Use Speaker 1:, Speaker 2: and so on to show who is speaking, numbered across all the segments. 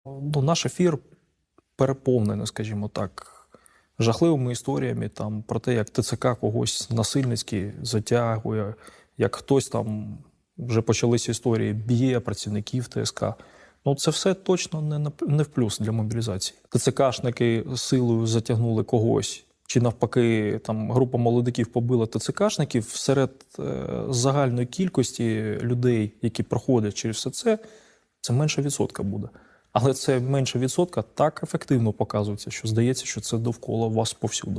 Speaker 1: Ну, наш ефір переповнений, скажімо так, жахливими історіями там, про те, як ТЦК когось насильницьки затягує, як хтось там, вже почалися історії, б'є працівників ТСК. Ну, це все точно не в плюс для мобілізації. ТЦКшники силою затягнули когось, чи навпаки, там група молодиків побила ТЦКшників. Серед загальної кількості людей, які проходять через все це менше відсотка буде. Але це менше відсотка так ефективно показується, що здається, що це довкола вас повсюду.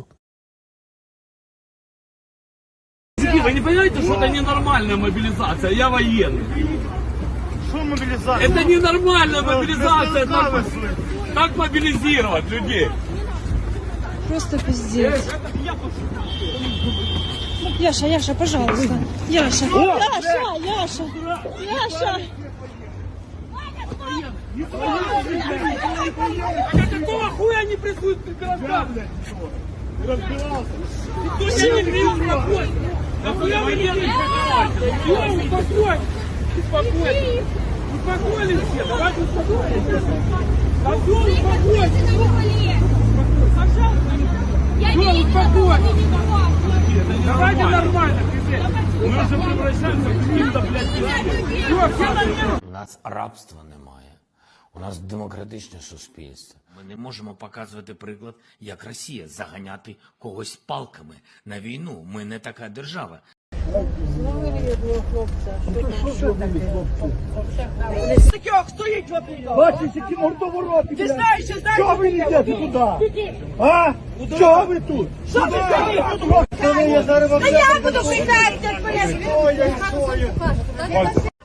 Speaker 2: Вы не понимаете, что это ненормальная мобилизация? Я военный.
Speaker 3: Что мобилизация?
Speaker 2: Это ненормальная мобилизация. Так мобилизировать людей.
Speaker 4: Просто пиздец. Яша, пожалуйста. Яша.
Speaker 2: Какого хуя они прессуют граждан?
Speaker 3: Разбирался.
Speaker 2: Никто тебя не бил, успокойся. Да хуя вы не успокойся. Успокойся. Успокоились все, давайте успокоимся. Да все, успокойся. Все, успокойся. Давайте нормально, мы уже превращаемся в каких-то, блядь,
Speaker 5: У нас рабства немає. У нас демократичне суспільство. Ми не можемо показувати приклад, як Росія, заганяти когось палками на війну. Ми не така держава.
Speaker 6: Таких стоїть в
Speaker 3: Бачиш, які мордовороти,
Speaker 6: Ти знаєш,
Speaker 3: Що ви йдете туди? А? Що ви тут?
Speaker 6: Що ви стоїть?
Speaker 3: Я зараз вам
Speaker 6: Та я буду прийняти, як